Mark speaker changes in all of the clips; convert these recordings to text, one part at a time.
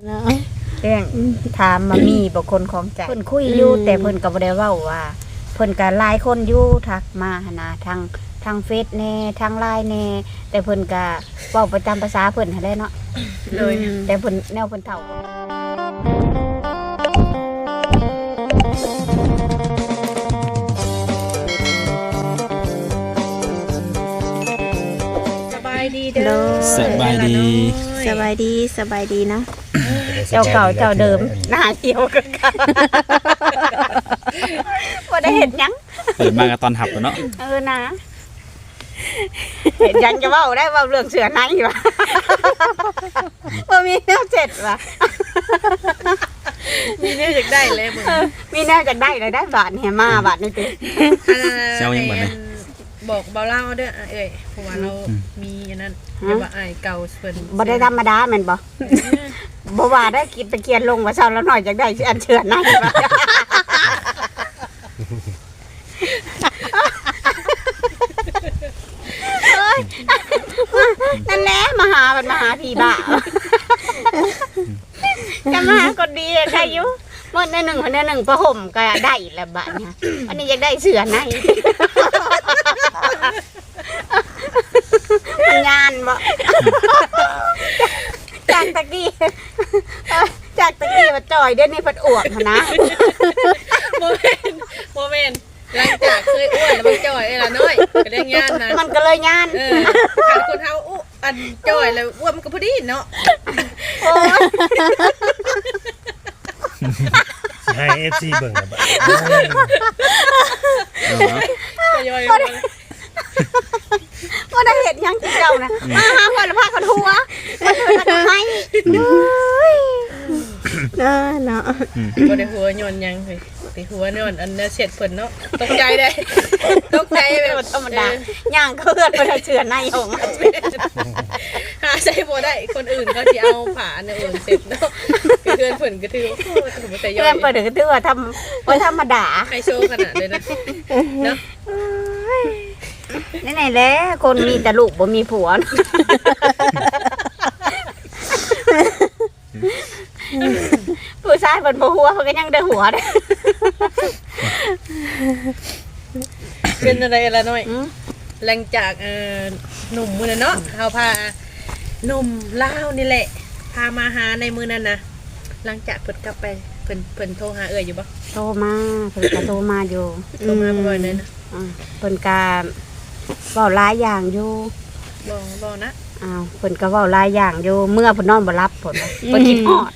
Speaker 1: เนาะ
Speaker 2: เรื่องถามมามีบุคคลของใจเพิ่นคุยอยู่แต่เพิ่นก็บ่ได้เว้าว่าเพิ่นก็หลายคนอยู่ทักมาหนนะทางเฟซแน่ทางไลน์แน่แต่เพิ่นก็เว้าไปตามภาษาเพิ่นหั่นแหละเนาะเลยแต่เพิ่นแนวเพิ่นเฒ่า
Speaker 3: สบายดีเด้อ
Speaker 4: สบายดี
Speaker 1: สบายดีเนาะ
Speaker 2: เจ้าเก่าเจ้าเดิมหน้าเกี่ยวกันบ่ได้เห็นหยัง
Speaker 4: เปิดมากับตอนหับแล้วเนาะ
Speaker 2: นะเห็นยังจะเว้าได้เว้าเรื่องเสือในวะบ่มีแนวเจ็ดวะ
Speaker 3: มีแนวอยากได้เลยมึง
Speaker 2: มีแนวจะได้เลยได้บาทเนี่ยมาบาทนี่ติ
Speaker 4: เจ้ายังบ่ได้
Speaker 3: บอกเบาเล่าเด้อเอ้ยเพราะว่าเรามีอันนั้นเรียกว่าอ้ายเก่าเพิ่น
Speaker 2: บ่ได้ธรรมดาแม่นบ่บ่ว่าได้คิดตะเกียนลงว่าเช้าแล้วหน่อยจักได้อันเชือในวะนั่นแหละมาหามันมาหาพี่บ้าจะมาหาคนดีได้อยู่เมื่อในหนึ่งคนในหนึ่งประห่มก็ได้ละบาทเนี่ยอันนี้อยากได้เสือในมันงานบ่จากตะกี้มาจ่อยเดี๋ยวนี้เพัดอวบนะ
Speaker 3: โมเมนต์หลังจากเคยอ้วนแล้วมันจ่อยไอ้ละน้อยก็ได้งานนะ
Speaker 2: มันก็เลยงาน
Speaker 3: ขันคนเฮาอันจ่อยแล้วอ้วนมันก็พอดีเนาะ
Speaker 2: โอ้ย
Speaker 5: ให้ FC เบิ่งอะบัด
Speaker 3: ก็ย่อย
Speaker 2: ว่าได้เห็นยังเจ้านะมาหาคนละผ้าคนหัวมาช่วยกันทำไม
Speaker 1: เนาะ
Speaker 3: บ่ได้หัวย้อนยังเฮ้ยไปหัวย้อนอันน่ะเสร็จเพิ่นเนาะตกใจได้ตกใจแบบ
Speaker 2: ธรรมดาย่างเคลื่อนไปทางเชือในของมัน
Speaker 3: หาใส่บ่ได้คนอื่นเขาสิเอาผ้าอันอื่นเสร็จเนาะเพื่อนเพิ่นก็ถือว่าโอ้ถือว่าแต่ย่อ
Speaker 2: เพื่อย นเปิดถึงถือว่าทำว่าธรรมดา
Speaker 3: ไฮโซขนาดเลยนะเนาะ
Speaker 2: นี่ไหนแหละคนมีแต่ลูกบ่มีผัวผู้ชายเป็นบ่หัวเขาก็ยังได้หัวได้
Speaker 3: เป็นอะไรละน้อยหลังจากหนุ่มมื้อนั้นเนาะเฮาพาหนุ่มลาวนี่แหละพามาหาในมื้อนั้นนะหลังจากเพิ่นกลับไปเพิ่นโทรหาอยู่บ่
Speaker 2: โตมาเพิ่นก็โตมาอยู่
Speaker 3: โทรมาบ่อยเลยนะ
Speaker 2: เพิ่นก็เว้าหลายอย่างอยู่
Speaker 3: บ่นะ
Speaker 2: อ้าวเพิ่นก็เว้าหลายอย่างอยู่เมื่อเพิ่นนอนบ่หลับเพิ่นคิดฮอด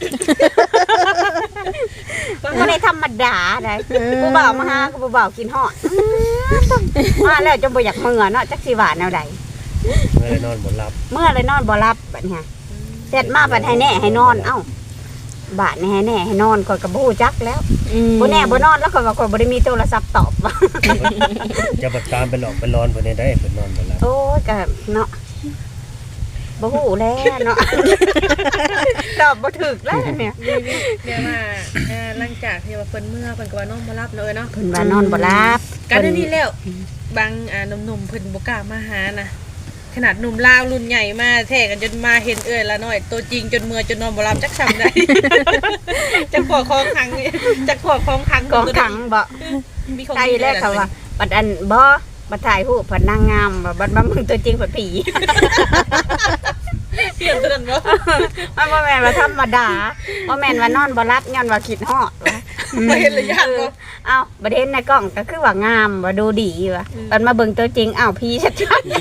Speaker 2: บ่ได้ธรรมดาได้ผู้บ่าวมาหาก็ผู้บ่าวกินฮอดมาแล้วจนบ่อยากเมื่อเนาะจักสิว่าแนวใด
Speaker 5: เมื่อได้นอนบ่หลับ
Speaker 2: เมื่อเลยนอนบ่หลับบัดนี้เสร็จมาบัดให้แน่ให้นอนเอ้าบาดนี่ให้แน่ให้นอนก่อนก็บ่ฮู้จักแล้วบ่แน่บ่นอนแล้วก็ว่าข่อยบ่ได้มีโทรศัพท์ตอบว่า
Speaker 5: จะบัดตามไปหลอกไปนอนเพิ่นได้เพิ่นนอนบ่หลับ
Speaker 2: โอ้ยก็เนาะบ่ฮู้แล้วเนาะ ตอบบ่ถูกแล้วเนี่ย
Speaker 3: เดี๋ยวมาหลังจากที่ว่าเพิ่นเมื่อเพิ่นก็ว่านอนบ่หลับเนาะเนาะ
Speaker 2: เพิ่นว่านอนบ่หลับ
Speaker 3: กันนี่แล้วบางหนุ่มๆเพิ่นบ่กล้ามาหานะขนาดหนุ่มลาวรุ่นใหญ่มาแท้กันจนมาเห็นเอ้ยละน้อยตัวจริงจนเมื่อจนนอนบ่หลับจักซ้ำได้ จักขอของขังจักขอของขัง
Speaker 2: กองขังบ่
Speaker 3: มีของ
Speaker 2: ใจแรกเขาว่าบัดอันบ่บัดถ่ายรูปเพิ่นนางงามบ่บัดมามึงตัวจริงเพิ่นผี
Speaker 3: เปลี่ยนตัวนั้นบ่
Speaker 2: มันบ่แม่นว่าธรรมดาบ่แม่นว่านอนบ่หลับย้อนว่าคิดฮอดวะ
Speaker 3: บ่เห็นระยะบ่
Speaker 2: เอ้าบ่เห็นในกล้องก็คือว่างามว่าดูดีว่ะบัดมาเบิ่งตัวจริงอ้าวผีชัด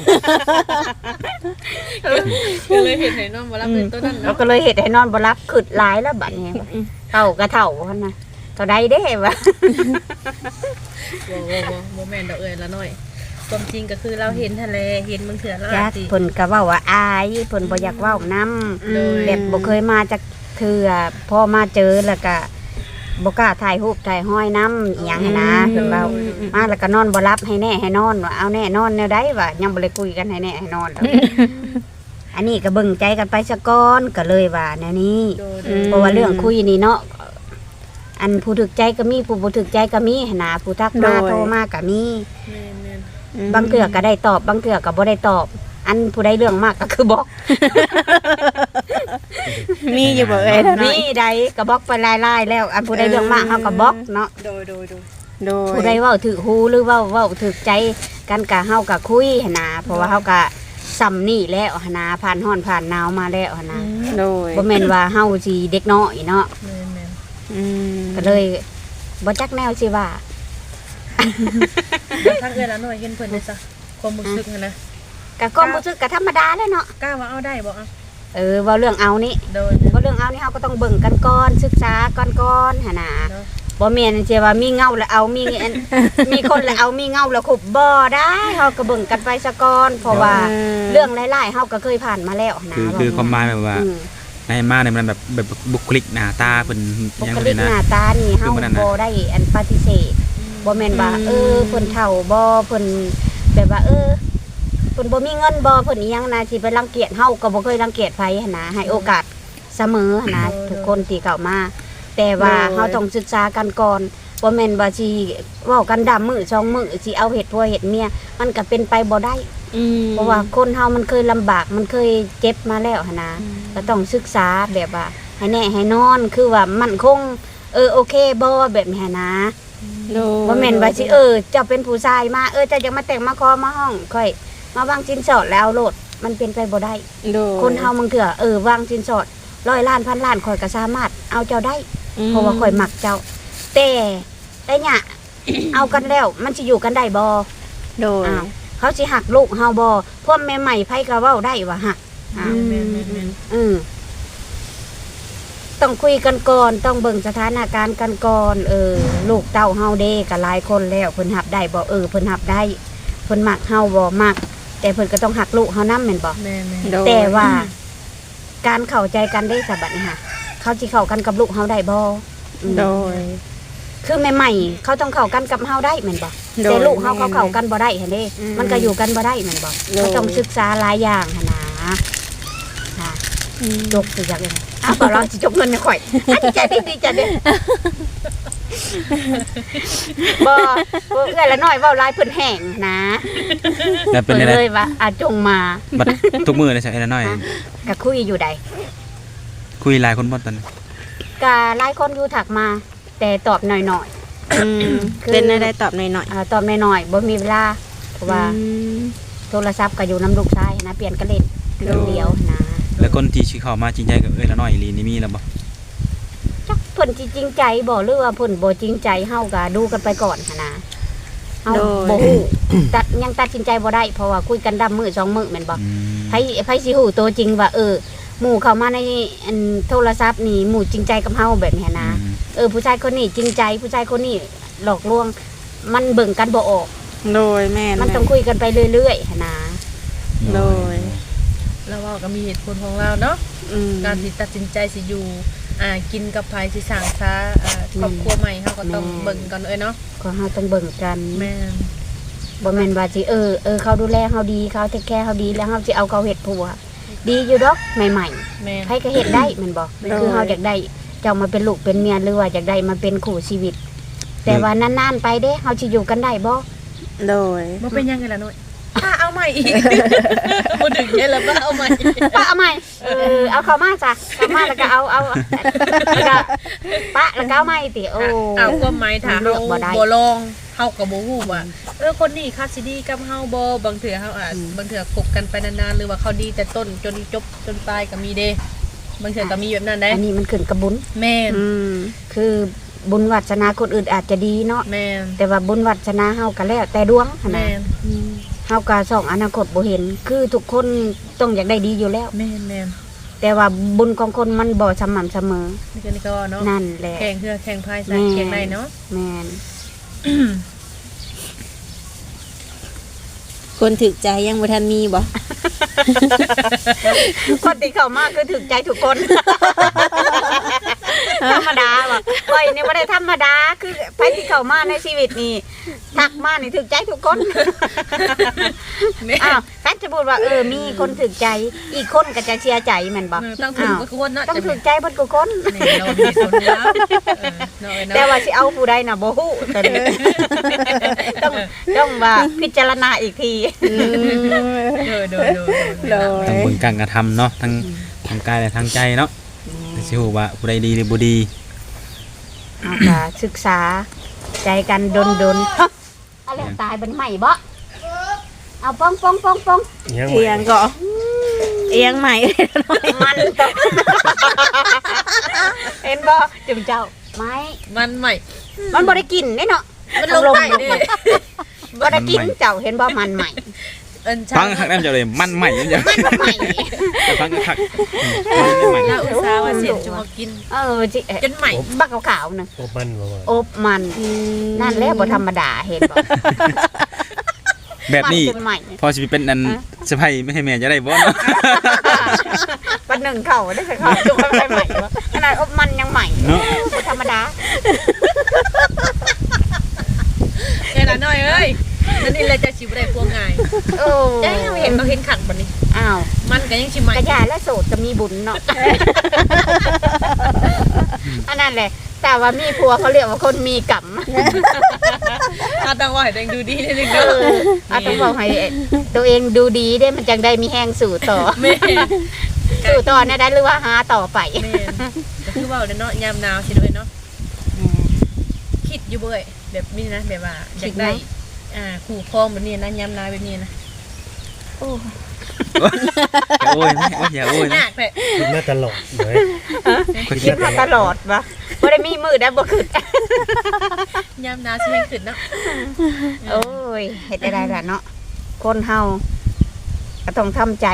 Speaker 3: ก็เลยเห็นให้นอนบ่หลับเป็นตัวนั้น
Speaker 2: ๆเรา
Speaker 3: เนาะ
Speaker 2: ก็เลยเฮ็ดให้นอนบ่หลับขึ้นหลายแล้วบัดนี้เท่าก็เท่าหั่นน่ะเท่าใดเด้วะ
Speaker 3: บ่แม่นดอกเอ้ยละน้อยความจริงก็คือเราเห็นทะเลเห็นมึงเถื่อแล้ว
Speaker 2: จัก
Speaker 3: สิ
Speaker 2: เพิ่นก็เว้าว่าอายเพิ่นบ่อยากเว้านำแบบบ่เคยมาจักเทื่อพอมาเจอแล้วก็บ่กล้าถ่ายรูปถ่ายห้อยนำอีหยังหั้นนะเพิ่นเว้ามาแล้วก็นอนบ่หลับให้แน่ให้นอนว่าเอาแน่นอนแนวใดวะยังบ่ได้คุยกันให้แน่ให้นอนอันนี้ก็เบิ่งใจกันไปซะก่อนก็เลยว่าแนวนี้เพราะว่าเรื่องคุยนี่เนาะอันผู้ถึกใจก็มีผู้บ่ถึกใจก็มีหั้นนะผู้ทักมาโทรมาก็มี บางเทื่อก็ได้ตอบบางเทื่อก็บ่ได้ตอบ อันผู้ใดเรื่องมากก็คือบอก
Speaker 1: มีอยู่บ่เอ้ยละน้อ
Speaker 2: มี
Speaker 1: ย
Speaker 2: ใดก็บล็อกไปไล่ๆแล้วอันผู้ใดเรื่องมากเฮาก็บล็อกเนาะ
Speaker 3: โดย
Speaker 1: โดย
Speaker 2: ผู้ใดเว้าถือหูหรือเว้าถือใจกันกะเฮาก็คุยหั่นนะเพราะว่าเฮาก็ซ้ำนี่แล้วหั่นนะผ่านร้อนผ่านหนาวมาแล้วหั่นนะ
Speaker 1: โดย
Speaker 2: บ่แม่นว่าเฮาสิเด็กน้อยเนาะ
Speaker 3: แม่น
Speaker 1: อืม
Speaker 2: ก็เลยบ่จักแนวสิว่า
Speaker 3: ๆแล้วทางเอื้อละหน่อยเห็นเพิ่นได้ซะความรู้สึกหั่นนะ
Speaker 2: ก็ความรู้สึกก็ธรรมดาแหล้วเนาะ
Speaker 3: กล้าว่าเอาได้บ่อ่ะ
Speaker 2: เว้าเรื่องเอานี่
Speaker 3: โดย
Speaker 2: เว้าเรื่องเอานี่เฮาก็ต้องเบิ่งกันก่อนศึกษาก่อนหั่นน่ะ
Speaker 3: เนาะ
Speaker 2: บ่แม่นสิว่ามีเงาแล้วเอามีอัน มีคนแล้วเอามีเงาแล้วขุบบ่ได้เฮาก็เบิ่งกันไปซะก่อนเพราะว่าเรื่องหลายๆเฮาก็เคยผ่านมาแล้วนะ
Speaker 4: คือความหมายแบบว่า
Speaker 2: อืม
Speaker 4: ในมาเนี่ยมันแบบบุคลิกหน้าตาเพิ่น
Speaker 2: บุ
Speaker 4: ยัง
Speaker 2: ค
Speaker 4: บ่
Speaker 2: ลิ
Speaker 4: ได้
Speaker 2: กห
Speaker 4: นะ
Speaker 2: น้าตานี่เฮา
Speaker 4: คือมันนั่นน่ะ
Speaker 2: บ่ได้อันปฏิเสธบ่แม่นว่าเพิ่นเฒ่าบ่เพิ่นแบบว่าเพิ่นบ่มีเงินบ่เพิ่นอีหยังนะสิไปรังเกียจเฮาก็บ่เคยรังเกียจไผหั่นนะให้โอกาสเสมอหั่นนะทุกคนที่เข้ามา แต่ว่าเฮาต้องศึกษากันก่อนบ่แม่นว่าสิเว้ากันดำมื้อ2มื้อสิเอาเฮ็ดผัวเฮ็ดเมียมันก็เป็นไปบ่ได้
Speaker 1: อืม
Speaker 2: เพราะว่าคนเฮามันเคยลำบากมันเคยเจ็บมาแล้วหั่นนะก็ต้องศึกษาแบบว่าให้แน่ให้นอนคือว่ามั่นคงโอเคบ่แบบนี้หั่นนะ
Speaker 1: โดย
Speaker 2: บ่แม่นว่าสิเจ้าเป็นผู้ชายมาเจ้าจะมาแต่งมาคอมาห้องค่อยมาวางสินสอดแล้วโลดมันเป็นไปบ่ได้
Speaker 1: โดย
Speaker 2: คนเฮามันเถื่อวางสินสอด100 ล้านพันล้านข่อยก็สามารถเอาเจ้าได้ เพราะว่าข่อยมักเจ้าแต่เนี่ย เอากันแล้วมันสิอยู่กันได้บ่
Speaker 1: โดย
Speaker 2: อ้าวเขาสิหักลูกเฮาบ่พวกแม่ใหม่ไผก็เว้าได้ว่าหักอ้าว
Speaker 3: แม่น
Speaker 2: ต้องคุยกันก่อนต้องเบิ่งสถานการณ์กันก่อนลูกเต้าเฮาเด้ก็หลายคนแล้วเพิ่นรับได้บ่เพิ่นรับได้เพิ่นมักเฮาบ่มัก แต่เพิ่นก็ต้องหักลูกเฮานำแม่นบ่
Speaker 3: แม่น
Speaker 1: โดย
Speaker 2: แต่ว่าการเข้าใจกันได้ซะบัดนี้ค่ะเขาสิเข้ากันกับลูกเฮาได้บ่อืม
Speaker 1: โดย
Speaker 2: คือใหม่ๆเขาต้องเข้ากันกับเฮาได้แม่นบ่
Speaker 1: โดย
Speaker 2: แต่ลูกเฮาเขาเข้ากันบ่ได้หั่นเด้
Speaker 1: อืม
Speaker 2: มันก็อยู่กันบ่ได้แม่นบ่
Speaker 1: โดย
Speaker 2: เขาต้องศึกษาหลายอย่างหั่นนะค่ะจกสิจักเลยอ้าวบ่เราสิจกเงินให้ข่อยดีใจดีใจเด้บ่เอื้อละน้อยเว้าหลายเพิ่นแห้งนะ
Speaker 4: แล้วเป็น
Speaker 2: เพิ่น
Speaker 4: อะไร
Speaker 2: เลยว่าจงมา
Speaker 4: บัดทุกมื้อเลยใช่ไหมน้อย
Speaker 2: ก็คุยอยู่ใด
Speaker 4: คุยหลายคนบ่ตอนนั้น
Speaker 2: ก็หลายคนอยู่ถักมา แต่ตอบหน่อย
Speaker 1: อืมเป็นอะไรตอบหน่อย
Speaker 2: ๆตอบหน่อยๆบ่มีเวลาเพราะว่า
Speaker 1: อืม
Speaker 2: โทรศัพท์ก็อยู่น้ำลูกชายนะเปลี่ยนกันเล่นเรื่องเดียวนะ
Speaker 4: แล้วคนที่สิเข้ามาจริงใจกับละน้อยอีหลีนี่มีแล้วบ่
Speaker 2: จักเพิ่นสิจริงใจบ่หรือว่าเพิ่นบ่จริงใจเฮาก็ดูกันไปก่อนหันนะเฮาบ่ฮู้ยังตัดสินใจบ่ได้เพราะว่าคุยกันดำมื้อ2มื้อแม่นบ่
Speaker 4: อืม
Speaker 2: ไผสิฮู้ตัวจริงว่าหมู่เข้ามาในอันโทรศัพท์นี่หมู่จริงใจกับเฮาแบบนี้นะผู้ชายคนนี้จริงใจผู้ชายคนนี้หลอกลวง มันเบิ่งกันบ่ออก
Speaker 1: โดยแม่
Speaker 2: มันต้องคุยกันไปเรื่อยๆหันนะ
Speaker 1: โดย
Speaker 3: แล้วว่าก็มีเหตุผลของเราเนาะ
Speaker 1: อืม
Speaker 3: การที่ตัดสินใจสิอยู่กินกับไผสิสร้างซาครอบครัวใหม่เฮาก็ต้องเบิ่งกันเนาะ
Speaker 2: ก็เฮาต้องเบิ่งกัน
Speaker 3: แม่น
Speaker 2: บ่แม่นว่าสิเขาดูแลเฮาดีเขาเทคแคร์เฮาดีแล้วเฮาสิเอาเขาเฮ็ดผัวดีอยู่ดอกใหม่
Speaker 3: แม่น
Speaker 2: ๆใครก็เฮ็ดได้แม่นบ่คือเฮาอยากได้เจ้ามาเป็นลูกเป็นเมียหรือว่าอยากได้มาเป็นคู่ชีวิต แต่ว่านานๆไปเด้เฮาสิอยู่กันได้บ่
Speaker 1: โดย
Speaker 3: บ่เป็นยังไงล่ะน้อยเอาใหม่อีกบ่ถึงแค่แล้วบ่เอาใหม่
Speaker 2: ป้าเอาใหม่เอาเข้ามาจ้ะเข้ามาแล้วก็เอาแล้วก็ปะแล้วก็เอาใหม่ติโอ้
Speaker 3: เอาความหมายถ้า
Speaker 2: เลื
Speaker 3: เฮา
Speaker 2: อกบ่ได้
Speaker 3: บ่ลองเฮาก็บ่ฮู้ว่าคนนี้คัดสิดีกับเฮาบ่บางเทื่อเฮาบางเทื่อคบกันไปนานๆหรือว่าเขาดีแต่ต้นจนจบจนปลายก็มีเด้บางเทื่อก็มีแบบนั้นได้
Speaker 2: อันนี้มันขึ้นกับบุญ
Speaker 3: แม่น
Speaker 1: อืม
Speaker 2: คือบุญวาสนาคนอื่นอาจจะดีเนาะ
Speaker 3: แม่น
Speaker 2: แต่ว่าบุญวาสนาเฮาก็แล้วแต่ดวงหั่น
Speaker 3: แม่
Speaker 2: นะ
Speaker 3: น
Speaker 2: เฮาก็ส่องอนาคตบ่เห็น คือทุกคนต้องอยากได้ดีอยู่แล้ว
Speaker 3: แม่นแม่น
Speaker 2: แต่ว่าบุญของคนมันบ่สม่ำเสมอ
Speaker 3: นี่ก็ว่าเนาะ
Speaker 2: นั่นแหละ
Speaker 3: แข่งเพื่อแข่งพาย
Speaker 2: แม่
Speaker 3: แข่งได้เนาะ
Speaker 2: แม่น
Speaker 1: คนถึกใจยังบ่ทันมีบ่
Speaker 2: คนที่เข้ามาคือถูกใจทุกคน ธรรมดาบ่ก้อยนี่บ่ได้ธรรมดาคือไปที่เข้ามาในชีวิตนี่ทักมานี่ถูกใจทุกคน อ้าวถ้าจะพูดว่ามีคนถูกใจอีกคนก็จะเสียใจแม่นบ่
Speaker 3: ต้องถึงกับคนเนาะ
Speaker 2: ต้องถูกใจเบิดทุกคน
Speaker 3: นี่เรามีคนแล้วเนาะ
Speaker 2: แต่ว่าสิเอาผู้ใดน่ะบ่ฮู้แต่นี่ ต้องว่าพิจารณาอีกที
Speaker 3: โดย
Speaker 1: โด
Speaker 4: ทั้ง
Speaker 1: ย
Speaker 4: เบิ่งการกระทำเนาะทั้งทางกายและทางใจเนาะสิฮู้ว่าผู้ใดดีหรือบ่ดี
Speaker 2: เอาก็ศึกษาใจกันดนๆอะไรตายเป็นใหม่บ่เอาป้อง
Speaker 5: ยัง
Speaker 1: เอียงก็เอียงใหม่
Speaker 2: มันต้องเห็นบ่จุมเจ้าไม้
Speaker 3: มันใหม่
Speaker 2: มันบ่ได้กินเด้เนาะ
Speaker 3: มันลงไปดิ
Speaker 2: บ่ได้กินเจ้าเห็นบ่มันใหม่
Speaker 4: ฟังคักแน่จะเลยมันใหม่จัง
Speaker 2: มันใหม่
Speaker 4: ฟังคักมันใหม่
Speaker 3: เราอุตส่าห์ว่าเสียจะมากิน
Speaker 2: จิ
Speaker 3: จนใหม่
Speaker 2: บักขาวๆนึง
Speaker 5: อบมันบ่ว่า
Speaker 2: อบมันนั่นแหละบ่ธรรมดาเห็นบ่
Speaker 4: แบบนี้
Speaker 2: มัจใหม่
Speaker 4: พอสิเป็นอันสะใภ้ไม่ให้แม่จะได้บ่เนาะ
Speaker 2: ปันหนึ่งเข่าได้เข่าจุกไปใหม่บ่ขนาดอบมันยังใหม่
Speaker 4: เนาะ
Speaker 2: บ่ธรรมดา
Speaker 3: เอ้ยละน้อยเอ้ยนั่นนี่เลยจะชิบได้พวงง่าย
Speaker 2: โอ้
Speaker 3: เอ้ยเห็นเขาเห็นขังบัดนี้
Speaker 2: อ้าว
Speaker 3: มันก็ยังชิมใหม่
Speaker 2: กระยาและโสดจะมีบุญเนาะ อันนั้นแหละ แต่ว่ามีผัวเขาเรียกว่าคนมีกรรม
Speaker 3: อาต้องว่าให้ตัวเองดูดีนิดนึง
Speaker 2: เอ
Speaker 3: เด้อ
Speaker 2: อต้องบอกให้ตัวเองดูดีได้มันจังได้มีแห้งสู่ต่อ
Speaker 3: แม่
Speaker 2: สู่ต่อเนี่ยได้หรือว่าหาต่อไป
Speaker 3: แม่ก็คือว่าเนาะยามหนาวสิด้วยเนาะคิดอยู่เบ้ยแบบนี้นะแบบว่าอยากได้ขู่ครองแบบนี้นะยามหนาวแบบนี้นะ
Speaker 4: โอ้ยอย่าโอ้ย
Speaker 3: ห
Speaker 4: นะ
Speaker 3: นักเลย
Speaker 5: คิดมาตลอดเลย
Speaker 2: คิดมาตลอดวะบ่ได้มีมือได้บ่ขึ้น
Speaker 3: ยามหนาวสิแม่งขึ้นเนาะ
Speaker 2: โอ้ยเฮ็ดได้ล่ะเนาะคนเฮาก็ต้องทำใจ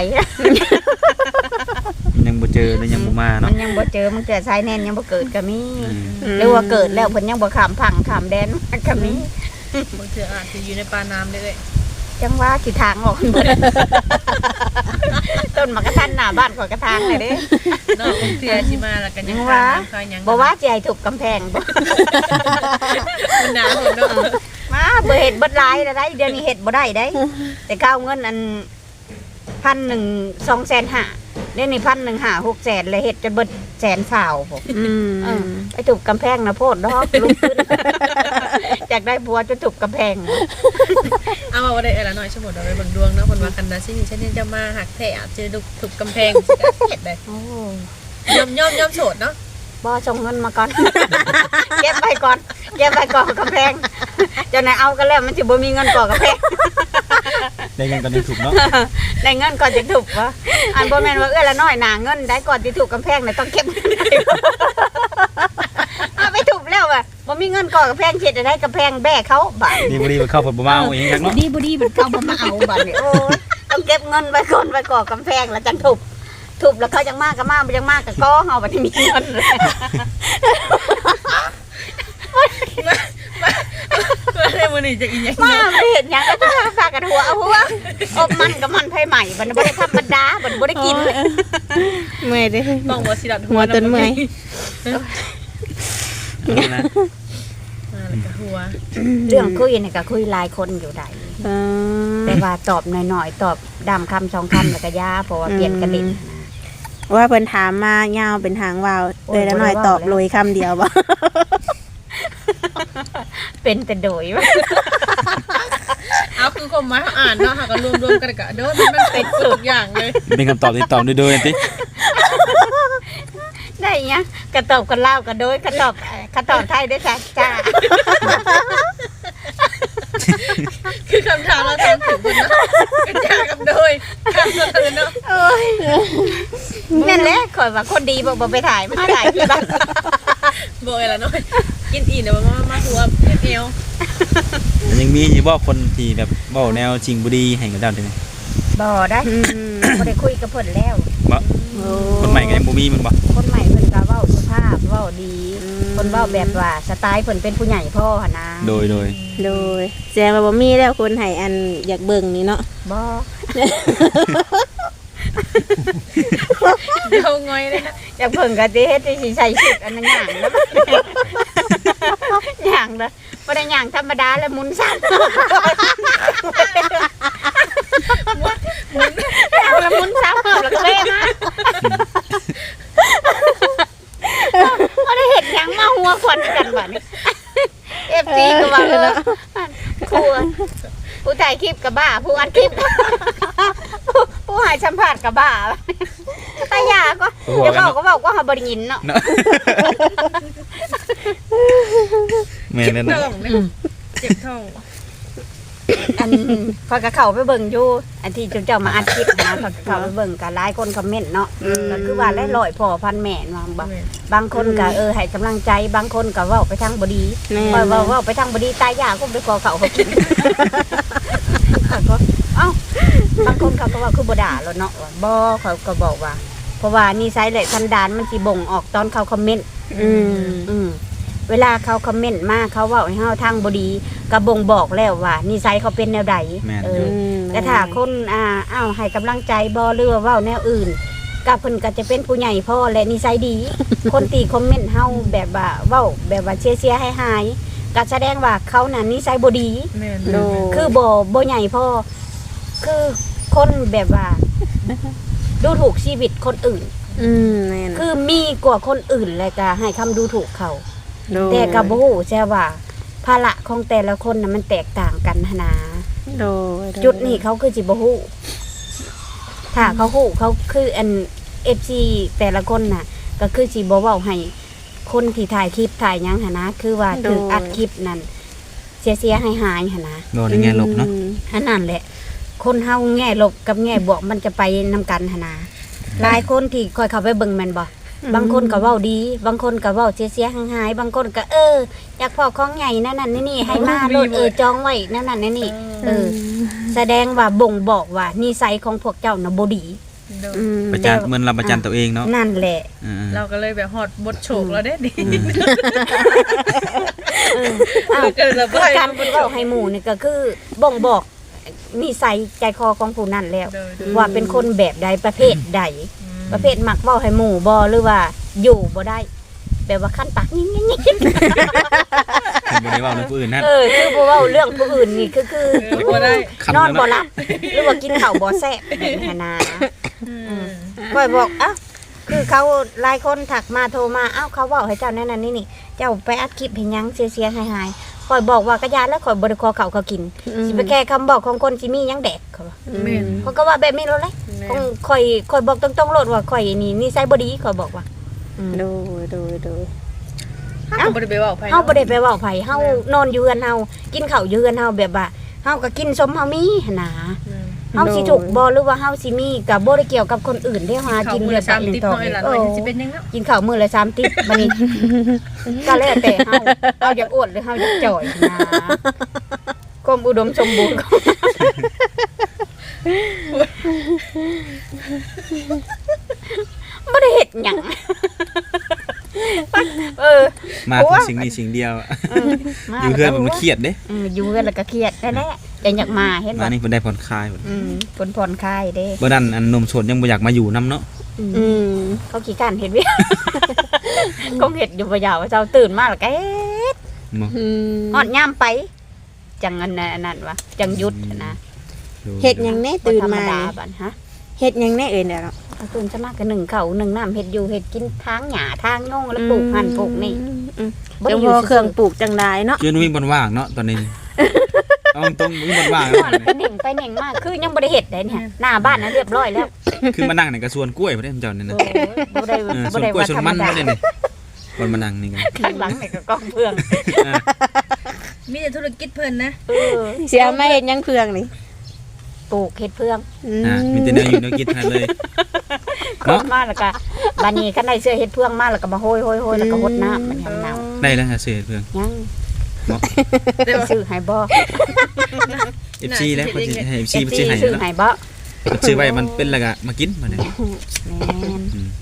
Speaker 4: ยังบ่เจอเลยยังบ่มา
Speaker 2: มั
Speaker 4: เนาะ
Speaker 2: นยังบ่เจอมันเกิดสายแน่นยังบ่เกิดก็มี
Speaker 4: อืม
Speaker 2: หรือว่าเกิดแล้วเพิ่นยังบ่ข้ามฝั่งข้ามแดนมันก็มี
Speaker 3: บางเทื่ออาจจะอยู่ในปลาน้ำเลย
Speaker 2: จังว่าสิทางออกเบิด ต้นมะกระทันหน้าบ้านข่อยกระทางเลยเด้
Speaker 3: เนาะบางเทื่อสิมาแล้วกัน
Speaker 2: ยังว่า
Speaker 3: คายยัง
Speaker 2: บ่ว่าสิให้ทุบกำแพงบ่
Speaker 3: มันหนาวเนาะ
Speaker 2: มาบ่เฮ็ดเบิดหลายแล้วได้เดี๋ยวนี้เฮ็ดบ่ได้ได้แต่ก้าวเงินอัน1,100 2,500เดี๋ยวนี้1,100 600,000เลยเฮ็ดจนเบิด120,000พุ่น ไปถูกกำแพงนะโพดดอกลุกขึ้น อยากได้บัวจะถูกกำแพง
Speaker 3: เอามาว่าได้อะไรหน่อยสมมุติเราไปเบิ่งดวงเนาะคนว่ากันนะสิฉันนี่จะมาหักแท้อาจจะถูกกำแพงสิได้เฮ็ดได้
Speaker 2: โอ้
Speaker 3: ยอมโสดเนาะ
Speaker 2: บ่ส่งเงินมาก่อน เก็บไปก่อนกำแพงเจ้านายเอากันแล้วมันสิบ่มีเงินก่อกำแพง
Speaker 4: ได้ยังตอนนี้ถูกเนาะ
Speaker 2: ได้เงินก่อนจะถูกวะอันบ่แม่นว่าละน้อยหนาเงินได้ก่อนที่ถูกกำแพงน่ะต้องเก็บเงินได้เอาไปถูกแล้วว่ะบ่มีเงินก่อกำแพงเฮ็ดได้กำแพงแบ้เขาบาด
Speaker 4: ดีบ่ดีบ่เข้าผลบ่มาเอาเองจังเนาะ
Speaker 2: บ่ดีมันเข้าบ่มาเอาบาดนี่โอ้ยต้องเก็บเงินไว้ก่อนไว้ก่อกำแพงแล้วจังถูกแล้วเขาจังมากก็มาบ่จังมากก็ก้อเฮาบัดนี้มีเงินเลย
Speaker 3: มาได้มื้อนี้จะอีหยัง
Speaker 2: มาไม่เห็นหยังก็พากันหัวเอาหัวอบมันกับมันไผใหม่บัดนี้บ่ได้ธรรมดาบัดนี้บ่ได้กิน
Speaker 1: เมื่อยเด้
Speaker 3: ต้องบ่สิดัด
Speaker 1: หัวต้นเมื่อย
Speaker 4: นะ
Speaker 3: แล้วก็หัว
Speaker 2: เรื่องคุยนี่ก็คุยหลายคนอยู่ได้
Speaker 1: เออ
Speaker 2: แต่ว่าตอบหน่อยๆตอบดำคำสองคำแล้วก็ยาเพราะว่าเปลี่ยนกระดิ่ง
Speaker 1: ว่าเพิ่นถามมายาวเป็นหางวาวเลยแล้วหน่อยตอบเลยคำเดียวบ่
Speaker 2: เป็นแต่โดยวะ
Speaker 3: เอาคือคนมาอ่านเนาะหากันรวมๆกันก็เด้อมันเป็นสุดอย่างเลย
Speaker 4: เป็นคำตอบที่ตอบโดยๆติ
Speaker 2: ได้เงี้ยกระตอบกันเล่าวกันโดยกระตอบไทยด้วยจ้ะจ้า
Speaker 3: คือคำถามเราถามถึงคนเนาะกระจายกับโดยคำสะเทือนเนาะ
Speaker 2: นั่นแหละข่อยว่าคนดีบอกไปถ่ายมาถ่ายที่บ้าน
Speaker 3: บอกอะไรเนาะกินอีเดี๋ยวมาหัวเอว
Speaker 4: ยังมีอยู่บ่คนที่แบบเว้าแนวจริงบ่ดีให้กับเจ้าได้มั้ย
Speaker 2: บ่ได้บ่ได้คุยกับเพิ่นแล้ว
Speaker 4: บ่คนใหม่ก็ยังบ่มีมันบ่
Speaker 2: คนใหม่เพิ่นก็เว้าสุภาพเว้าดีเพิ่นเว้าแบบว่าสไตล์เพิ่นเป็นผู้ใหญ่พ่อหั่นนะ
Speaker 4: โดย
Speaker 1: โดยแสดงว่าบ่มีแล้วคนให้อันอยากเบิ่งนี่เนาะ
Speaker 2: บ่
Speaker 3: เดี๋ยวงอยเลยนะ
Speaker 2: อยากเพิ่นก็สิเฮ็ดสิใส่ชุดอันนั้นหยังนะหยังละบ่ได้หยังธรรมดาแล้วหมุนซ้ำแล้วหมุนซ้ำแล้วก็เว้มาบ่ได้เฮ็ดหยังมาหัวควันกันบัดนี้ FG ก็ว่าควรผู้ถ่ายคลิปกับบ้าผู้อัดคลิปผู้ให้สัมภาษณ์กับบ้าไต้ยาก็เดี๋ยวบอกก็บอกว่าเฮาบ่ได้ยินเนาะ
Speaker 4: เนาะแม่น
Speaker 3: เจ็บ
Speaker 4: นั่น
Speaker 3: ท้
Speaker 4: น่ะ
Speaker 3: องเนี่ยเจ็บท้อง
Speaker 2: อันพอยก็เข้าไปเบิ่งอยู่อันที่เจ้ามาอัดคลิปนะพอยก็เข้าไปเบิ่งก็หลายคนคอมเมนต์เนาะก็คือว่าหลายๆพ่อพันแม่ว่าบางคนก็ให้กำลังใจบางคนก็เว้าไปทางบ่ดี
Speaker 1: แม่
Speaker 2: เว้าไปทางบ่ดีตายยากก็ไปขอเขาเขากินก็เอ้าบางคนเขาก็ว่าคือบ่ด่าแล้วเนาะบ่เขาก็บอกว่า เพราะว่านิสัยและสันดานมันสิบ่งออกตอนเขาคอมเมนต์ เวลาเขาคอมเมนต์มาเขาเว้าให้เฮาทางบ่ดีก็บ่งบอกแล้วว่านิสัยเขาเป็นแนวใดแต่ถ้าคนอ้าวให้กำลังใจบ่หรือว่าเว้าแนวอื่นก็เพิ่นก็จะเป็นผู้ใหญ่พ่อและนิสัยดี คนตีคอมเมนต์เฮาแบบว่าเว้าแบบว่าเชียร์ให้หายก็แสดงว่าเขาน่ะนิสัยบ่ดี
Speaker 3: แม่น
Speaker 1: โด
Speaker 2: คือบ่ใหญ่พ่อคือคนแบบว่า ดูถูกชีวิตคนอื่น
Speaker 1: แม่น
Speaker 2: คือมีกว่าคนอื่นเลยก็ให้คำดูถูกเขา
Speaker 1: โด
Speaker 2: แต่ก็บ่ฮู้ใช่ว่าภาระของแต่ละคนน่ะมันแตกต่างกันหั้นนะ
Speaker 1: โด
Speaker 2: จุดนี้เขาคือสิบ่ฮู้ถ้าเขาฮู้เขาคืออัน FC แต่ละคนน่ะ ก็คือสิบ่เว้าให้คนที่ถ่ายคลิปถ่ายหยังหันนะคือว่าถูกอัดคลิปนั่นเสียหายหันนะ
Speaker 4: โดนในแง่ลบเนาะ
Speaker 2: อันนั้นแหละ คนเฮาแง่ลบกับแง่บวกมันจะไปนำกันหันนะหลายคนที่ค่อยเข้าไปเบิ่งแม่นบ่บางคนก็เว้าดี บางคนก็เว้าเสียหายบางคนก็อยากพอของใหญ่นั่นนี่ให้มาโลดจองไว้นั่นนี่แสดงว่าบ่งบอกว่านิสัยของพวกเจ้าน่ะบ่ดี
Speaker 4: ประจานเหมือนเราประจานตัวเองเนาะ
Speaker 2: นั่นแหละ
Speaker 3: เราก็เลยแบบฮอดบทโฉกแล้วเด้ดิ
Speaker 2: อ้าว
Speaker 3: เกิดระบาย
Speaker 2: การเว้าให้หมู่นี่ก็คือบ่งบอกนิสัยใจคอของผู้นั้นแล้ว ว่าเป็นคนแบบใดประเภทใด ประเภทมักเว้าให้หมู่บ่หรือว่าอยู่บ่ได้แบบว่าขั้นปากยิ่ง
Speaker 4: คือบ่ได้เว้าเรื่องผู้อื่นนั่น
Speaker 2: คือบ่เว้าเรื่องผู้อื่นนี่คือ
Speaker 3: บ่ได้
Speaker 2: นอนบ่หลับหรือว่ากินข้าวบ่แซ่บแบบนี้นะค่อยบอกคือเขาหลายคนถักมาโทรมาเขาเว้าให้เจ้านั่นนี่เจ้าไปอัดคลิปให้หยังเสียหายค่อยบอกว่ากะยาแล้วค่อยบ่ได้ขอเขากินสิไปแก้คำบอกของคนสิมีหยังแดกเขาว่า
Speaker 3: แม่น
Speaker 2: เขาก็ว่าแบบนี้แล้วแหละค่อยบอกตรงๆโลดว่าค่อยนี่นิสัยบ่ดีค่อยบอกว่า
Speaker 1: โด
Speaker 3: เฮาบ่ได้ไปเว้าไผ
Speaker 2: เฮาบ่ได้ไปเว้าไผเฮานอนอยู่เฮือนเฮากินข้าวอยู่เฮือนเฮาแบบว่าเฮาก็กินสมเฮามีหั่นน่ะเฮาสิถูกบ่หรือว่าเฮาสิมีก็บ่ได้เกี่ยวกับคนอื่นเด้หากินเดือด
Speaker 3: 3
Speaker 2: 1
Speaker 3: ติ๊บ
Speaker 2: ต่อ
Speaker 3: น้อยละน้อยสิเป็นยังเนาะ
Speaker 2: กินข้าวมื้อละ3ติ๊บบัดนี้ก็แล้วแต่เฮาอยากอ้วนหรือเฮาอยากจ่อยนะความอุดมสมบูรณ์ของบ่ได้เฮ็ดหยัง
Speaker 4: มาถึงสิ่งนี้สิ่งเดียวอยู่เพื่อนมันเครียดเด้
Speaker 2: อยู่กันแล้วก็เครียดแน่ๆแต่อยากมาเห็น
Speaker 4: มา
Speaker 2: บ่
Speaker 4: นี่เพิ่นได้ผ่อนคลายพุ่น
Speaker 2: ผลผ่อนคลายเด้
Speaker 4: บ่นั้นอันนมสดยังบ่อยากมาอยู่นํเนาะ
Speaker 2: เขาขี้การเฮ็ดเวียคงเฮ็ดอยู่บ่ยาวว่าเจ้าตื่นมาแล้วก็เฮ็ด
Speaker 4: บ่
Speaker 2: ฮอดยามไปจังอันนั้นวะจังหยุดนะ
Speaker 1: เฮ็ดหยังแน่ตื่นมา
Speaker 2: บ่ธรรดบัดฮะ
Speaker 1: เฮ็ดหยังแน่เอ่ยเดี๋ยวเนาะ
Speaker 2: ตื่นจะมาก็นึ่งข้าวนึ่งน้ำเฮ็ดอยู่เฮ็ดกินทางหญ้าทางโน่งแล้วปลูกหั่นปลูกนี่
Speaker 1: จังพอเครื่องปลูกจังได้เนาะ
Speaker 4: จนมีบ่ว่างเนาะตอนนี้เอาตรงมีบ่ว่าง
Speaker 2: ว่าแล้วก็เน่งไปเน่งมาคือยังบ่ได้เฮ็ดได้เนี่ยหน้าบ้านน่ะเรียบร้อยแล้ว
Speaker 4: คือมานั่งในกระสวนกล้วยบ่ได้เจ้านี่นะ
Speaker 2: บ่ได้
Speaker 4: สวนกล้วยสวนมันบ่ได้นี่คนมานั่งนี่กัน
Speaker 2: ข้างหลังนี่ก็กองเพื่อง
Speaker 3: มีแต่ธุรกิจเพิ่นนะ
Speaker 1: เสียมาเฮ็ดหยังเพืองนี่
Speaker 2: ปลูกเฮ็ดเพื่อง
Speaker 4: มีแต่แนวอยู่แนวกินทั้งนั้นเลย
Speaker 2: ก็มาแล้วก็บัดนี้คันได้เสื้อเฮ็ดเพื่องมาแล้วก็มาโหยๆๆแล้วก็หดน้ำมันยังเน่า
Speaker 4: ได้แล้วฮะเสียเพื่อน
Speaker 2: ยัง
Speaker 4: เนาะ
Speaker 2: ซื้อให้บ่
Speaker 4: FC แล้วเพิ่นสิให้ FC เพิ่นสิให้
Speaker 2: ซื้อ
Speaker 4: แล้ว
Speaker 2: ให้บ่
Speaker 4: เพิ่นซื้อไว้มันเป็นแล้วก็มากินบัดนี้
Speaker 2: แม่น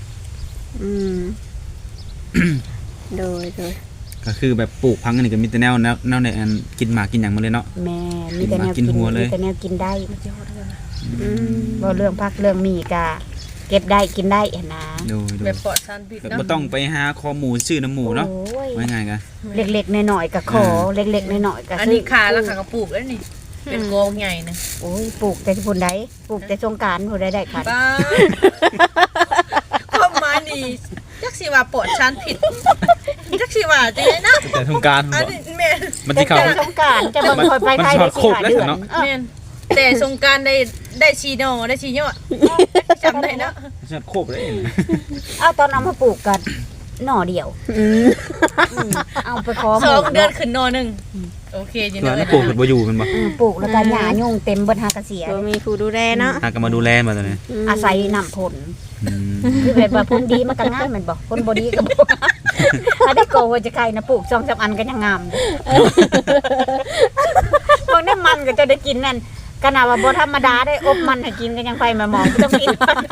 Speaker 1: โดย
Speaker 4: ก็คือแบบปลูกพังอันนี้ก็มีแต่แนวในอันกินหมากกินหยังมาเลยเนาะ
Speaker 2: แม่มีแต่แนว
Speaker 4: กินหัวเลย
Speaker 2: มีแต่แนวกินได้บ่เรื่องผักเรื่องมีก็เก็บได้กินได้หั่นนะ
Speaker 4: ดู
Speaker 3: แบบปลอดสารพิษ
Speaker 4: แบบ
Speaker 3: เนาะ
Speaker 4: บ่ต้องไปหาคอหมูซื้อน้ำหมูเนาะ
Speaker 2: โอ้ย
Speaker 4: ว่าง่ายกัน
Speaker 2: เล็กๆน้อยๆก็ขอเล็กๆน้อยๆก็
Speaker 3: อันนี้คาแล้วค่ะก็ปลูกแล้วนี่ เป็นกองใหญ่นะ
Speaker 2: โอ้ยปลูกแต่พุ่นใดปลูกแต่สงกรานต์พุ่นใดได้ค่ะ
Speaker 3: ป้าความหมายนี่จักสิว่าปลอดสารพิษจักสิว่าจังได๋นะ
Speaker 4: แต่ทงการ
Speaker 3: อันนี้แม่น
Speaker 4: มันสิเข้า
Speaker 2: แต่สงกรานต์จะเบิ่งคอยไปไทยได้สิหาเดือน
Speaker 3: แม่นแต่สงกรารได้ชีโนได้ชียอดจำได้เนาะ
Speaker 4: ฉันโคบเลยนะ
Speaker 2: เอาตอนเอามาปลูกกันหน่อเดียวเอาไปขอห
Speaker 3: ส
Speaker 2: มู่
Speaker 3: องเดือนขึ้นนอหนึ่งโอเคอยู่
Speaker 4: ตัว
Speaker 3: เนาะ
Speaker 4: นั้นปลูกเพิ่นบ่อยู่แมันบ่
Speaker 2: ปลูกแล้วก็หญ้ายุ่งเต็มเบิดหากระเสีย
Speaker 1: บ่มีผู้ดูแลเนาะ
Speaker 4: หาก็มาดูแลมาตอนนี้
Speaker 2: อาศัยน้ำผล
Speaker 4: อืม
Speaker 2: คือแบบว่าผลดีมันก็งามแม่นบ่ผลบ่ดีก็บ่ถ้าได้โกว่าจะใครนะปลูก2-3อันก็ยังงามพวกนั้นมันก็จะได้กินนั่นขนาดว่าบ่ธรรมดาได้อบมันให้กินก็ยังไปมาหมองก็ต้องกิน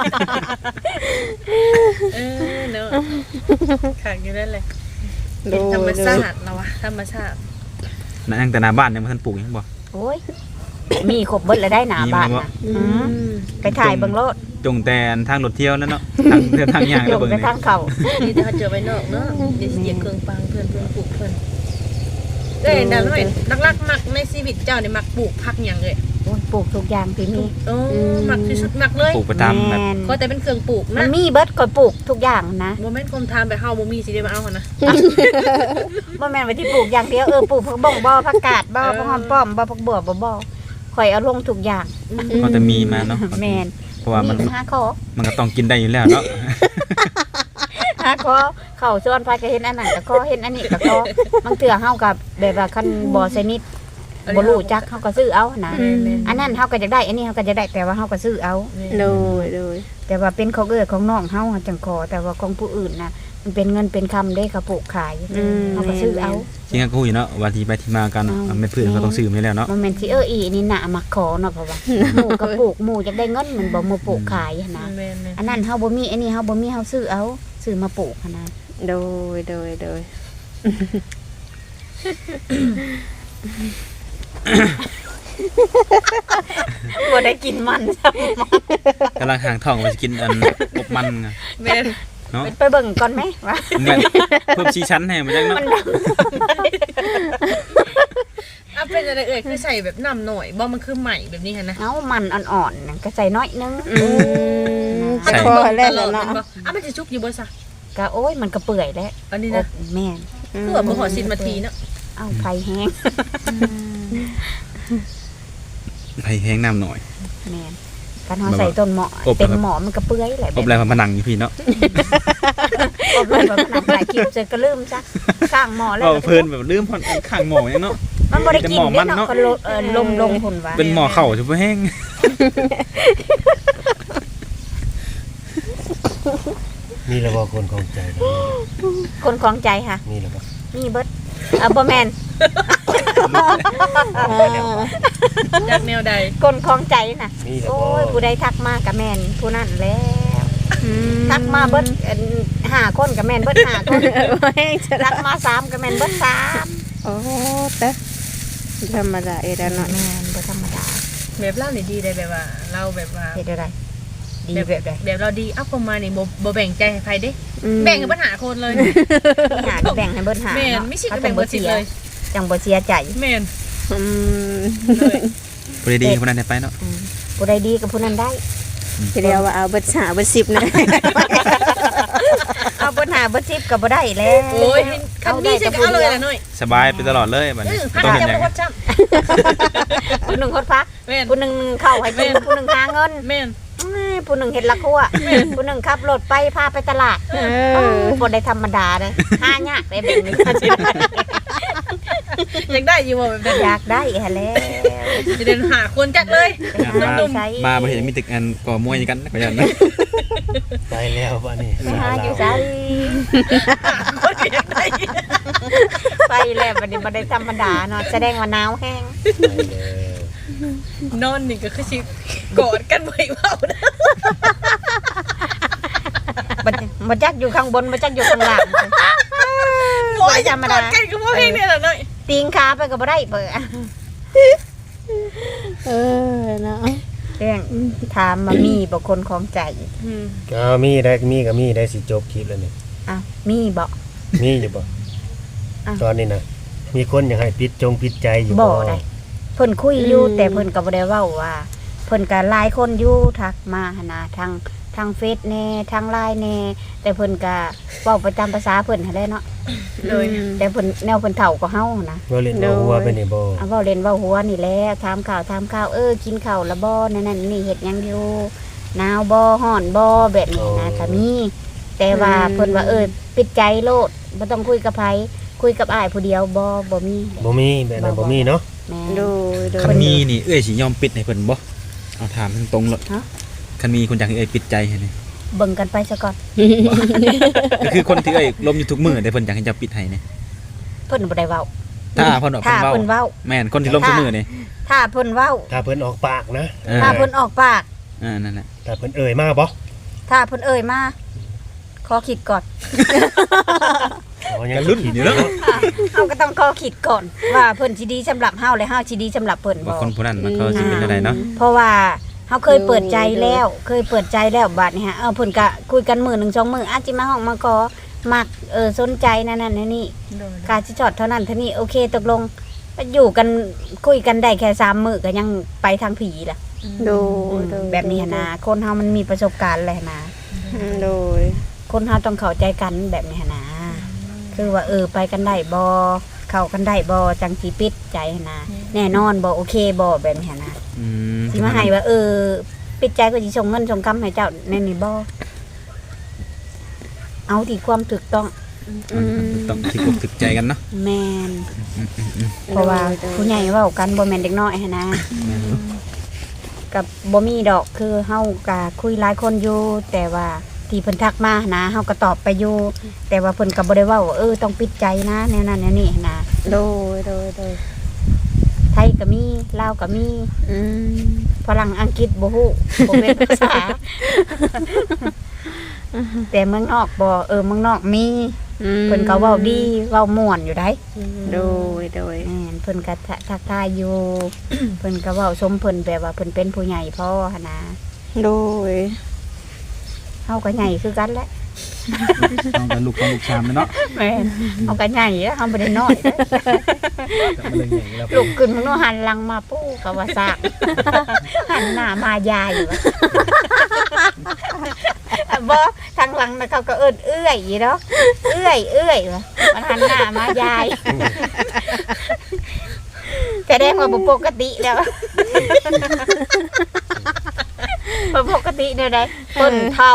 Speaker 3: เนาะขังอยู่นั่นเลย
Speaker 1: โด
Speaker 3: เป็นธรรม
Speaker 1: ย
Speaker 3: ชาติเราวะธรรมชาติ
Speaker 4: นั่นแต่หน้าบ้านยังบ่ทันปลูกยังบ่
Speaker 2: โอ้ยมีครบเบิดแล้วได้หน้าบ้านน่ะ
Speaker 1: อืม
Speaker 2: ไปถ่ายเบิ่งโลด
Speaker 4: จงแต่ทางรถเที่ยวนั่นเนาะทางย่าง
Speaker 2: ล
Speaker 4: แล้ว
Speaker 2: ง
Speaker 4: เบิ่ง
Speaker 2: ไป
Speaker 4: นี่
Speaker 2: ทางเขา
Speaker 3: นี่ถ้าเจอไปนอกเนาะเดี๋ยวเหยียบเครื่องปังเพื่อนปลูกเพื่อนเอ้ยนั่นหน่อยลักๆมักในชีวิตเจ้าเนี่ยมักปลูกผักอย่างเลย
Speaker 2: โอ้ยปลูกทุกอย่างที่มี
Speaker 3: โอ้มักที่สุดมักเลย
Speaker 4: ปลูกประจำแบบ
Speaker 2: แม่น
Speaker 3: ก็แต่เป็นเครื่องปลูก
Speaker 2: มั
Speaker 3: นะ
Speaker 2: นมีเบิดก็ปลูกทุกอย่างนะ
Speaker 3: โมเมนต์คมทามไปเฮาบ่มีสิได้มาเอาหั่นนะ
Speaker 2: บ่แม่นว่าที่ปลูกอย่างเดียวปลูกผักบ่งบ่ผักกาดบ่ผักหอมป้อมบ่ผักบัวบ่ข่อยเอาลงทุกอย่าง
Speaker 4: ก็จะมีมาเนาะ
Speaker 2: แม่น
Speaker 4: เพราะว่ามัน
Speaker 2: มีหาขอ
Speaker 4: มันก็ต้องกินได้อยู่แล้วเนาะ
Speaker 2: หาขอเข้าสวนไปก็เห็นอันนั้นก็ขอเห็นอันนี้ก็ขอบางเทื่อเฮากับแบบว่าคันบ่สนิทบ่รู้จักเฮาก็ซื้อเอานะอันนั้นเฮาก็อยากได้อันนี้เฮาก็จะได้แต่ว่าเฮาก็ซื้อเอา
Speaker 1: โดยโดย
Speaker 2: แต่ว่าเป็นของของน้องเฮาจังขอแต่ว่าของผู้อื่นน่ะมันเป็นเงินเป็นคำได้เขาปลูกขายเฮาก็ซื้อเอา
Speaker 4: จริงก็คุยเนาะว่าที่ไปที่มากันมันไม่พื้นก็ต้องซื้อมาแล้วเนาะ
Speaker 2: มันแม่นสิอีนี่น่ะมักขอเนาะเพราะว่าหมู่ก็ปลูกหมู่อยากได้เงินมันบ่มาปลูกขายหั้นนะ
Speaker 3: แม่น
Speaker 2: อันนั้นเฮาบ่มีอันนี้เฮาบ่มีเฮาซื้อเอาซื้อมาปลูกหั้นนะ
Speaker 1: โดยโดยโดย
Speaker 2: บ่ได้กินมันซ้
Speaker 4: กำลังห่างท้องว่าจะกินอันอบมันไง
Speaker 3: แม่น
Speaker 4: เนาะ
Speaker 2: ำไปเบิ่งก่อนไหมว่า
Speaker 4: แบบเพิ่มชีชั้นให้มันจังเนาะ
Speaker 3: อ่ะเป็นอะไรเอ่ยคือใส่แบบน้ำหน่อยบ่มันคือใหม่แบบนี้หั่นนะ
Speaker 2: เอามันอ่อนๆนั่นก็ใส่น้อยนึง
Speaker 1: จะพอแล้วเนาะ
Speaker 3: อ่ะมันจะชุกอยู่บ่ซะ
Speaker 2: ก็โอ้ยมันก็เปื่อยแล้ว
Speaker 3: อันนี้
Speaker 2: อ
Speaker 3: นะ
Speaker 2: บแม่น
Speaker 3: คือว่าบ่ฮอด10นาทีเนาะ
Speaker 2: เอาไฟแห้ง
Speaker 4: ไผแห้งน้ำหน่อย
Speaker 2: แม่นกันเฮาใส่ต้นหม้อ
Speaker 4: อบ
Speaker 2: เต็มหม้อมันก็เปื่อยแหละ
Speaker 4: อบแล้วมันผนังอยู่พี่เนาะ
Speaker 2: อบเลยว่ามันถ่ายคลิปเสร็จก็ลืมซะข้างหม้อแล้ว
Speaker 4: เอาเพิ่นแบบลืมพอนข้างหม้อยังเนาะ
Speaker 2: มันบ่ได้กิน
Speaker 4: แต่หม้อมัน
Speaker 2: เด้
Speaker 4: เนาะ
Speaker 2: เนาะก็ลมพุ่นว่า
Speaker 4: เป็นหม้อเข่าจะบ่แห้ง
Speaker 5: นี่แหละว่าคนของใจเนาะ
Speaker 2: คนของใจค่ะ
Speaker 5: นี่แหละว่า
Speaker 2: มีเบิดบ่แม่น
Speaker 3: จากแนวใด
Speaker 2: คนของใจน่ะ
Speaker 5: นี่แหละ
Speaker 2: โอ้
Speaker 5: ว่าย
Speaker 2: ผู้ใดทักมาก็แม่นผู้นั้นแล้วทักมาเบิด5คนก็แม่นเบิด5คนทักมา3ก็แม่นเบิด3
Speaker 1: โอ้แต่ธรรมดาเอดาเนาะ
Speaker 2: แม่นบ่ธรรมดา
Speaker 3: แบบเล่านี่ดีได้แบบว่าเราแบบว่า
Speaker 2: เฮ็ดได้ดีแบบใด
Speaker 3: แบบเราดีเอ้าประมาณนี่บ่แบ่งใจให้ใครเด้แบ่งให้ปัญหาคนเลย
Speaker 2: หาก็แบ่งให้เบิดหา
Speaker 3: แม่น
Speaker 2: เนาะ
Speaker 3: ไม่ใช่
Speaker 2: เขา
Speaker 3: แบ่ง
Speaker 2: จั
Speaker 3: เบิ
Speaker 2: บ่
Speaker 3: ดสิ
Speaker 2: เสีย
Speaker 3: เลย
Speaker 2: จังบ่เสียใจ
Speaker 3: แม่น
Speaker 1: อืม
Speaker 3: เลย
Speaker 4: บ่ได้ดีคนนั้นได้ไปเนาะ
Speaker 2: ผู้ใดดีกับผู้นั้นได้
Speaker 1: ทีเดียวว่าเอาเบิด5เบิด10นะ
Speaker 2: เอาปัญหาเบิด10ก็บ่ได้แล้ว
Speaker 3: โอ้ยคันนี้ใช่ก็เอาเลยล่ะหน่อย
Speaker 4: สบายไปตลอดเลยบัดนี้
Speaker 3: พัก
Speaker 4: ต้องเห็น
Speaker 3: จะ
Speaker 4: หยั
Speaker 3: บ่
Speaker 4: ง
Speaker 3: ฮอดจ้ำ
Speaker 2: ผู้หนึงคนพัก
Speaker 3: แม่น
Speaker 2: ผู้หนึงเข้าให้กินผู้หนึงหาเงิน
Speaker 3: แม่น
Speaker 2: ผู้หนึงเฮ็ดละครัวผู้หนึงขับรถไปพาไปตลาดบ่ได้ธรรมดาเด้อหายากได้แบบนี้
Speaker 3: อยากได้อยู่บ่แบบนั้น
Speaker 2: อยากได้หั่นแหล้ว
Speaker 3: จะเดินหาคนจักเลย
Speaker 4: มาบ่เห็นมีตึกอันก่อมวยกันก็อย่างนั้น
Speaker 5: ไปแล้วบ้านนี้
Speaker 2: ไปหาอยู่ไส
Speaker 3: คนอยากได้
Speaker 2: ไปแล้วบัดนี้บ่ได้ธรรมดาเนาะแสดงว่าหนาวแฮง
Speaker 5: ไปแล้ว
Speaker 3: นอนนี่ก็คือสิกอดกันไว้เว้านะ
Speaker 2: บ่จักอยู่ข้างบนบ่จักอยู่ข้างล่าง
Speaker 3: โอ้ยธรรมดากันก็บ่เพลงนี่ล่ะหน่อย
Speaker 2: ตีงขาไปก็บ่ได้เปิด
Speaker 1: เนาะ
Speaker 2: เรื่องถามมามีบ่คนของใจ
Speaker 5: ก็มีได้มีก็มีได้สิจบคลิปแล้วนี่
Speaker 2: อ้าวมีบ่
Speaker 5: มีอยู่บ่
Speaker 2: อ้าว
Speaker 5: ตอนนี้นะมีคนอยากให้ปิดใจอยู่
Speaker 2: บ่ได้เพิ่นคุยอยู่แต่เพิ่นก็บ่ได้เว้าว่าเพิ่นก็หลายคนอยู่ทักมาหั่นนะทางทางเฟซแน่ทางไลน์แน่แต่เพิ่นก็เว้าประจำภาษาเพิ่นหั้นแหละเนาะ
Speaker 3: โดย
Speaker 2: แต่เพิ่นแนวเพิ่นเฒ่ากว่าเฮานะ
Speaker 5: บ่เล่นบ่หัวไปนี่บ่
Speaker 2: เอาเว้าเล่นเว้าหัวนี่แหละถามข่าวกินข้าวละบ่นั่นนี่เฮ็ดหยังอยู่หนาวบ่ร้อนบ่แบบนี้นะก็มีแต่ว่าเพิ่นว่าปิดใจโลดบ่ต้องคุยกับไผคุยกับอ้ายผู้เดียวบ่มี
Speaker 5: บ่มีแบบนั้นบ่มีเนาะ
Speaker 2: แม่
Speaker 1: โดยโด
Speaker 4: คั
Speaker 1: ย
Speaker 4: นมีนี่สิยอมปิดให้เพิ่นบ่เอาถามตรงๆเลย
Speaker 2: ฮะ
Speaker 4: คันมีคนอยากให้ปิดใจให้นี่
Speaker 2: เบิ่งกันไปซะก่อน
Speaker 4: ก็คือคนที่ลมอยู่ทุกมื้อแต่เพิ่นอยากให้เจ้าปิดให้นี่
Speaker 2: เพิ่นบ่ได้เว้า
Speaker 4: ถ้าเพิ่นออก
Speaker 2: ถ้า
Speaker 4: เพิ่น
Speaker 2: เพิ่น
Speaker 4: เว้า
Speaker 2: เว้า
Speaker 4: แม่นคนที่ลมทุกมื้อนี่
Speaker 2: ถ้าเพิ่นเว้า
Speaker 5: ถ้าเพิ่นออกปากนะ
Speaker 2: ถ้าเพิ่นออกปาก
Speaker 4: นั่นแหละ
Speaker 5: ถ้าเพิ่นเอ่ยมาบ่
Speaker 2: ถ้าเพิ่นมาขอคิดก่อน
Speaker 5: อ๋อยัง
Speaker 4: กันรุ่นอยู่เนาะ
Speaker 2: เฮาก็ต้องขอคิดก่อน ว่าเพิ่นสิดีสำหรับเฮาและเฮาสิดีสำหรับเพิ่น
Speaker 4: ว่า
Speaker 2: บ่
Speaker 4: คนผู้นั้นมันเขาสิเป็นอะไรเนาะ
Speaker 2: เพราะว่าเฮาเคยเปิดใจแล้วบัดนี้ฮะเพิ่นก็คุยกันมื้อหนึง2มื้ออาจสิมาห้องมาขอมักสนใจนั่นนี่
Speaker 3: โดย
Speaker 2: การสิจอดเท่านั้นเท่านี้โอเคตกลงอยู่กันคุยกันได้แค่3มื้อก็ยังไปทางผีล่ะ
Speaker 1: โดยโดย
Speaker 2: แบบนี้หั้นนะคนเฮามันมีประสบการณ์แหละนะ
Speaker 1: โดย
Speaker 2: คนเฮาต้องเข้าใจกันแบบนี้หั้นนะคือว่าไปกันได้บ่เข้ากันได้บ่จังสิปิดใจหั้นนะแน่นอนบ่โอเคบ่แบบนี้หั้นนะ
Speaker 4: อืม
Speaker 2: สิมาให้ว่าปิดใจก็สิส่งเงินส่งคำให้เจ้าในนี่บ่เอาที่ความถูกต้อง
Speaker 4: ต้องที่อกถึกใจกันเนาะ
Speaker 2: แม่นเพราะว่าผู้ใหญ่เว้ากันบ่แม่นเด็กน้อยหั้นนะกับบ่มีดอกคือเฮาก็คุยหลายคนอยู่แต่ว่าที่เพิ่นทักมานะเฮาก็ตอบไปอยู่แต่ว่าเพิ่นก็บ่ได้เว้าว่าต้องปิดใจนะแนวนั้นแนวนี้นะ
Speaker 1: โดยโดยโดย
Speaker 2: ไทยก็มีลาวก็มี
Speaker 1: อืม
Speaker 2: ฝรั่งอังกฤษบ่ฮู้บ่เป็นภาษา แต่เมืองนอกบ่เมืองนอกมีเพิ่นก็เว้าดีเว้าม่วนอยู่ได้
Speaker 1: โดยโดย
Speaker 2: แม่นเพิ่นก็ทักทายอยู่ เพิ่นก็เว้าชมเพิ่นแบบว่าเพิ่นเป็นผู้ใหญ่พ่อหั่นนะ
Speaker 1: โดย
Speaker 2: เฮาก็ใหญ่คือกันแหละ
Speaker 4: ต้องเป็นลูกชามเนาะ
Speaker 2: แม่นเฮาก็ใหญ่แล้วเฮาบ่ได้น้อยเด้อ
Speaker 4: มันเลยใหญ่แล้ว
Speaker 2: ลุกขึ้นมึงโนหันหลังมาปู้ก็ว่าซาก หันหน้ามายายอยู่วะ บ่ทางหลังน่ะเขาก็เอื้อยอยู่เนาะเอื้อยวะมันหันหน้ามายาย แสดงว่าบ่ปกติแล้ว บ่ปกติแนวใดคนเฒ่า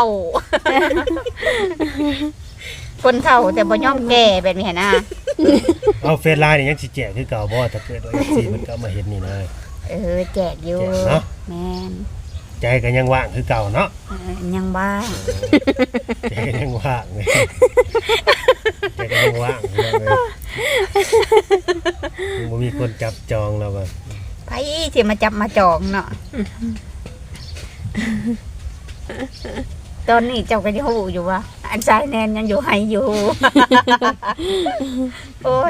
Speaker 2: คนเฒ่าแต่บ่ยอมแก่แบบนี้นะ
Speaker 5: เอาเฟซไลน์นี่ยังสิแจกคือเก่าบ่ถ้าเกิดว่า FC มันก็มาเห็นนี่นะ
Speaker 2: แจกอยู่
Speaker 5: แจกเนาะ
Speaker 2: แม่น
Speaker 5: ใจก็ยังว่างคือเก่าเนาะ
Speaker 2: ยังบ้าง
Speaker 5: ใจก็ยังว่างเลยใจก็ยังว่างเลยบ่มีคนจับจองแล้วว่า
Speaker 2: ไผสิมาจับมาจองเนาะ ตอนนี้เจ้าก็ยังฮู้อยู่ว่าอันชายแนนยังอยู่ให้อยู่ โอ้ย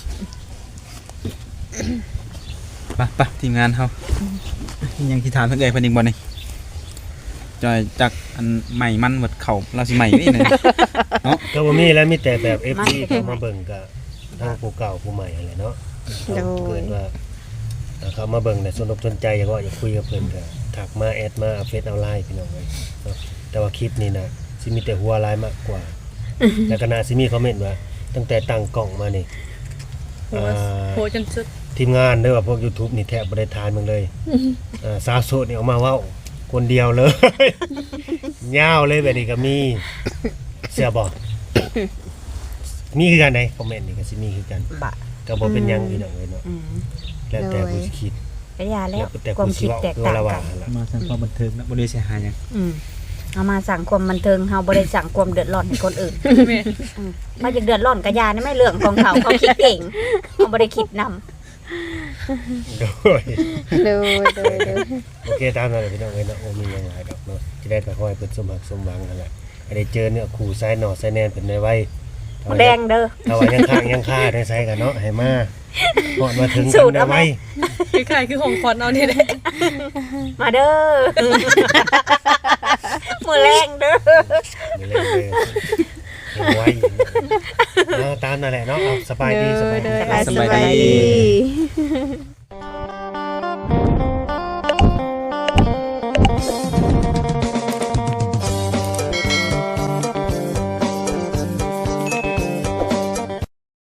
Speaker 4: ไปทีมงานเฮายังที่ถามเพิ่นเพิ่นอีกบ่นี่จอยจากอันใหม่มันหมดเข้าเราสิใหม่นี่นะ
Speaker 5: ก็บ่มีแล้วมีแต่แบบ FC เข้ามาเบิ่งก็ทั้งผู้เก่าผู้ใหม่อะไรเนาะ
Speaker 1: โดย
Speaker 5: เกิดว่าเขามาเบิ่งแต่สนใจอยากว่าอยากคุยกับเพิ่นก็ทักมาแอดมาเฟซเอาไลน์พี่น้องเอ้ยเนาะแต่ว่าคลิปนี้นะสิมีแต่หัวไลน์มากกว่า แล้วก็น่าสิมีคอมเมนต์ว่าตั้งแต่ตั้งกล้องมานี่อ่า
Speaker 3: โหจนสุด
Speaker 5: ทีมงานเด้อว่าพวก YouTube นี่แทบบ่ได้ทานมึงเลยสาวโสดนี่ออกมาเว้าคนเดียวเลย ยาวเลยแบบนี้ก็มีเสียบ่ มีคือกันได้คอมเมนต์นี่ก็สิมีคือกัน
Speaker 2: บะ
Speaker 5: ก็บ่เป็นหยังพี่น้องเอ้ยเนาะ
Speaker 2: อืม
Speaker 5: แล้วแต่ผู้สิคิด
Speaker 2: ก็อย่าแล้
Speaker 5: แล้ว วแต่
Speaker 2: ความ
Speaker 5: ผู้สิ
Speaker 2: คิด
Speaker 5: เว้า
Speaker 2: แตก
Speaker 5: คือ
Speaker 2: ต่าง
Speaker 5: ละ
Speaker 2: กั
Speaker 5: ว่าน หั่นล่ะ
Speaker 4: มาสร้างความบันเทิงนะบ่ได้เสียหายหยัง
Speaker 2: เอามาสั่งความบันเทิงเฮาบ่ได้สั่งความเดือดร้อนให้คนอื่น
Speaker 3: แม่
Speaker 2: เขาจะเดือดร้อนก็อย่านี่ไม่เรื่องของเขาเขาคิดเก่งเขาบ่ได้คิดนำ
Speaker 5: โดย
Speaker 1: โดยโดยโดย
Speaker 5: โอเคตามนั้นแหละพี่น้องเอ้ยเนาะบ่มีหยังหลายดอกเนาะจะได้ก็ขอให้เพิ่นสมหวังสมหวังนั่นแหละให้ได้เจอเนี่ยคู่สายหน่อสายแนนเพิ่นได้ไว้
Speaker 2: แดงเด้อ
Speaker 5: ถ้าว่ายังค้างยังคาได้ใส่กันเนาะให้มาฮอดมาถึง
Speaker 2: สู
Speaker 5: กัน
Speaker 2: ตร
Speaker 5: ได้
Speaker 2: เอาไหม
Speaker 5: ไว้
Speaker 3: คือใครคือของคอนเอานี่แหละ
Speaker 2: มาเด้อ มือแรงเด้อ
Speaker 5: นี่เลยยังไว้ตามนั่นแหละเนาะเอาสบายดีสบายดี
Speaker 1: สบายดี